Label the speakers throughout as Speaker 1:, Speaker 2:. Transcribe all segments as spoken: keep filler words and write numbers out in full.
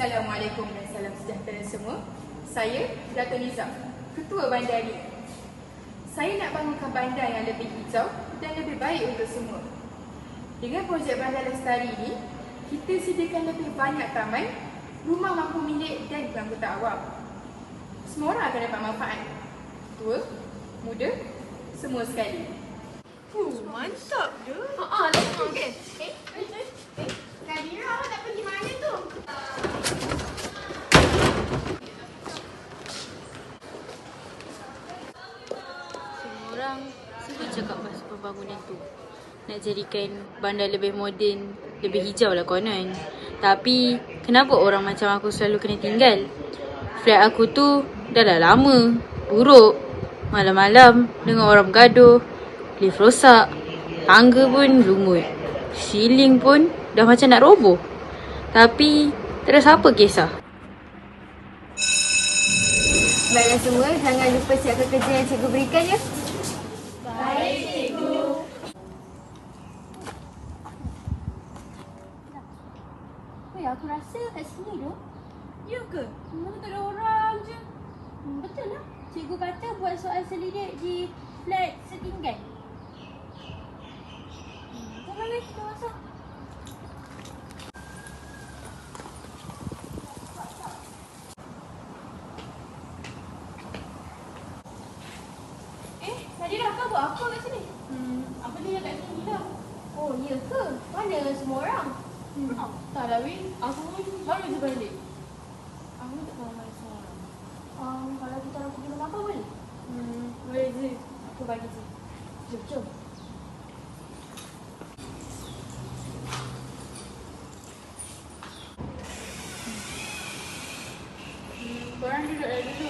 Speaker 1: Assalamualaikum dan salam sejahtera semua. Saya Dato' Nizam, Ketua Bandar ni. Saya nak bangunkan bandar yang lebih hijau dan lebih baik untuk semua. Dengan projek Bandar Lestari ini, kita sediakan lebih banyak taman, rumah mampu milik dan angkutan awam. Semua orang akan dapat manfaat. Tua, muda, semua sekali.
Speaker 2: Uh, mantap je.
Speaker 1: Haa, lagi okey.
Speaker 2: Eh, eh, eh, eh. Kadira, awak nak pergi mana tu?
Speaker 3: Semua orang selalu cakap pasal pembangunan tu. Nak jadikan bandar lebih moden, lebih hijau lah konon. Tapi, kenapa orang macam aku selalu kena tinggal? Flat aku tu dah dah lama, buruk. Malam-malam dengan orang bergaduh, lift rosak, tangga pun lumut, ceiling pun dah macam nak roboh. Tapi, tak ada siapa kisah.
Speaker 4: Baiklah semua, jangan lupa siapkan kerja yang cikgu berikan ya.
Speaker 2: Baik, cikgu.
Speaker 4: Weh, aku rasa kat sini tu.
Speaker 2: Ya ke? Mana tak ada orang je.
Speaker 4: Hmm, betul lah. Cikgu kata buat soal selidik di flat setinggan. Hmm, jangan weh, kita masuk.
Speaker 2: Eh, Nadira, kau buat apa kat sini? Hmm, apa dia kat sini lah?
Speaker 4: Oh, ya ke? Mana semua orang?
Speaker 2: Hmm, oh, tak lah, Win. Aku pun baru je balik. Aku tak tahu mana semua orang.
Speaker 4: Um, kalau kita orang pergi rumah kau boleh?
Speaker 2: Hmm, boleh je. Aku bagi je.
Speaker 4: Jom, jom.
Speaker 2: Hmm, korang duduk dah dulu.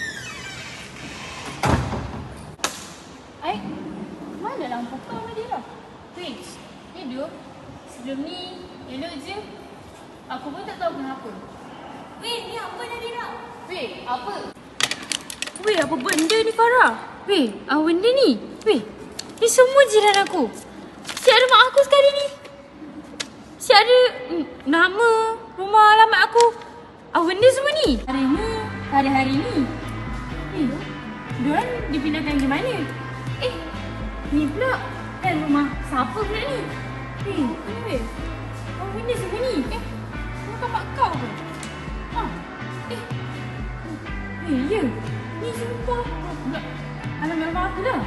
Speaker 4: Ai, mana lampu kau Nadira?
Speaker 2: Win, hidup. Sebelum ni, elok je. Aku pun tak tahu kenapa.
Speaker 4: Weh, ni apa Nadira?
Speaker 2: Win, apa?
Speaker 3: Weh, apa benda ni Farah? Weh, apa benda ni? Weh, ni semua jiran aku. Siap ada mak aku sekali ni. Siap ada mm, nama, rumah, alamat aku. Apa benda semua ni?
Speaker 2: Hari ni, hari-hari ni. Eh, diorang dipindahkan ke mana? Eh, ni pula kan rumah siapa pula ni? Eh, mana weh? Apa benda semua ni? Eh, bukan mak kau ke? Ha? Eh, eh, ya. Ni sumpah. Pula alamat rumah aku dah.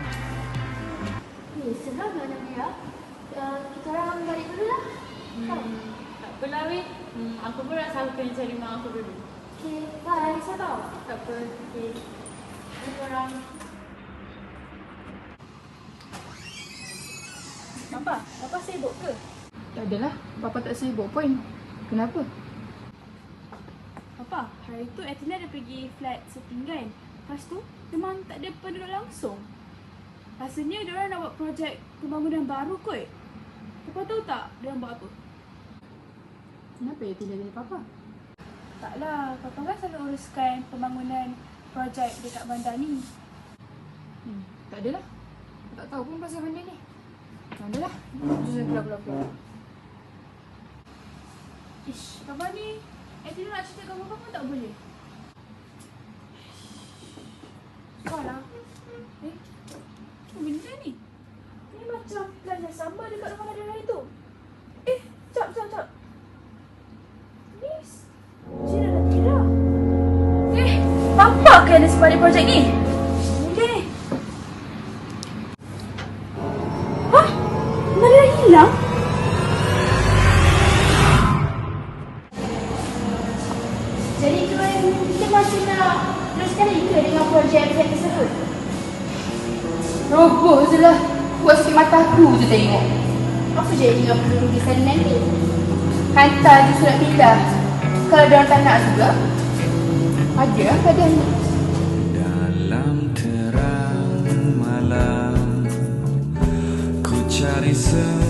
Speaker 4: Eh, seram lah Nadira. Uh, kita orang balik dulu lah.
Speaker 2: Hmm, tak apalah weh. Hmm, aku pun rasa aku kena cari mak aku dulu.
Speaker 4: Okay, bye. Sabar.
Speaker 2: Tak apa. Okay. Ni korang. Papa, Papa sibuk ke?
Speaker 1: Tak adalah, Papa tak sibuk pun. Kenapa?
Speaker 2: Papa, hari tu Athena dah pergi flat setinggan. Lepas tu, memang tak ada penduduk langsung. Rasanya diorang nak buat projek pembangunan baru kot. Papa tahu tak diorang buat apa?
Speaker 1: Kenapa dia tidak dari Papa?
Speaker 2: Taklah, Papa kan selalu uruskan pembangunan projek dekat bandar ni.
Speaker 1: Hmm, tak adalah. Aku tak tahu pun pasal benda ni. Tak adalah. Jom keluar, keluar, keluar.
Speaker 2: Ish, Papa ni Athena nak cerita kat Papa pun tak boleh. Salah. Eh, apa benda ni? Ni macam plan yang sama dekat rumah Nadira itu. Eh, jap, jap, jap. Ni Cina Nadira. Eh, Papa ke ada sebalik projek ni? Mungkin ni. Hah? Nadira hilang?
Speaker 4: Jadi tuan, kita masih nak teruskan lagi ke dengan projek flat tersebut?
Speaker 1: Roboh je lah. Buat sikit mata aku je tengok.
Speaker 4: Apa jadi dengan penduduk di sana nanti?
Speaker 1: Hantar je surat pindah. Kalau diorang tak nak juga, ada lah keadaannya.
Speaker 5: Dalam terang malam ku cari semua